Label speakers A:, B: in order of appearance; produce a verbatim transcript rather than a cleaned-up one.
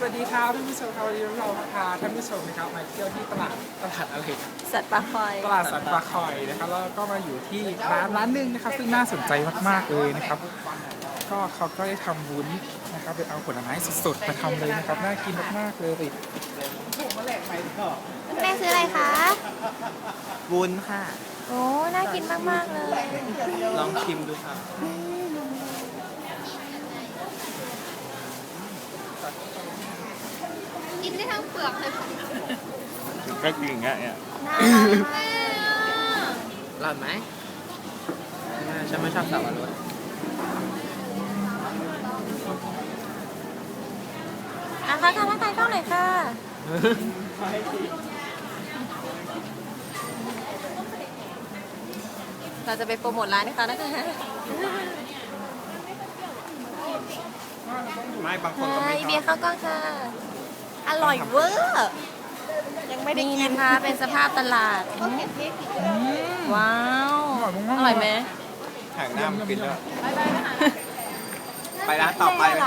A: วัสดีครับท่านผู้ชมครับวันนี้เราพาท่านผู้ชมนะครับมาเที่ยวที่ตลาดตลาดอะไร
B: สัตว์ปลาคอย
A: ตลาดสันปลาคอยนะครับแล้วก็มาอยู่ที่ร้านร้านหนึ่งนะครับซึ่งน่าสนใจมากๆเลยนะครับก็เขาก็ได้ทำวุ้นนะครับโดยเอาผลไม้สดๆมาทำเลยนะครับน่ากินมากๆเลย
B: แม่ซื้ออะไรคะ
C: วุ้นค่ะ
B: โอ้ น่ากินมาก ๆ เลย
C: ลองชิมดูค่ะ
D: กินได้ทั้งเปลือกเลยค่ะ
C: ก็จริงอ่ะเนี่ย
B: น่ารักมาก
C: อร่อยไหมฉันไม่ชอบสับปะรด
B: อ่ะค่ะค่ะทักทายกล้องหน่อยค่ะ เราจะไปโปรโมทร้านนะคะนะคะ
C: ไม่บางคนก็
B: ไฮ
C: ไม่ช
B: เบีย
C: อบ
B: ร์ข้าวกล้องค่ะ อร่อยเวอร์ ยังไม่ได้กินนะคะ เป็นสภาพตลาด ว้าว อร่อยไหม
C: แข่งหน้ามันกินด้วยไปร้านต่อไป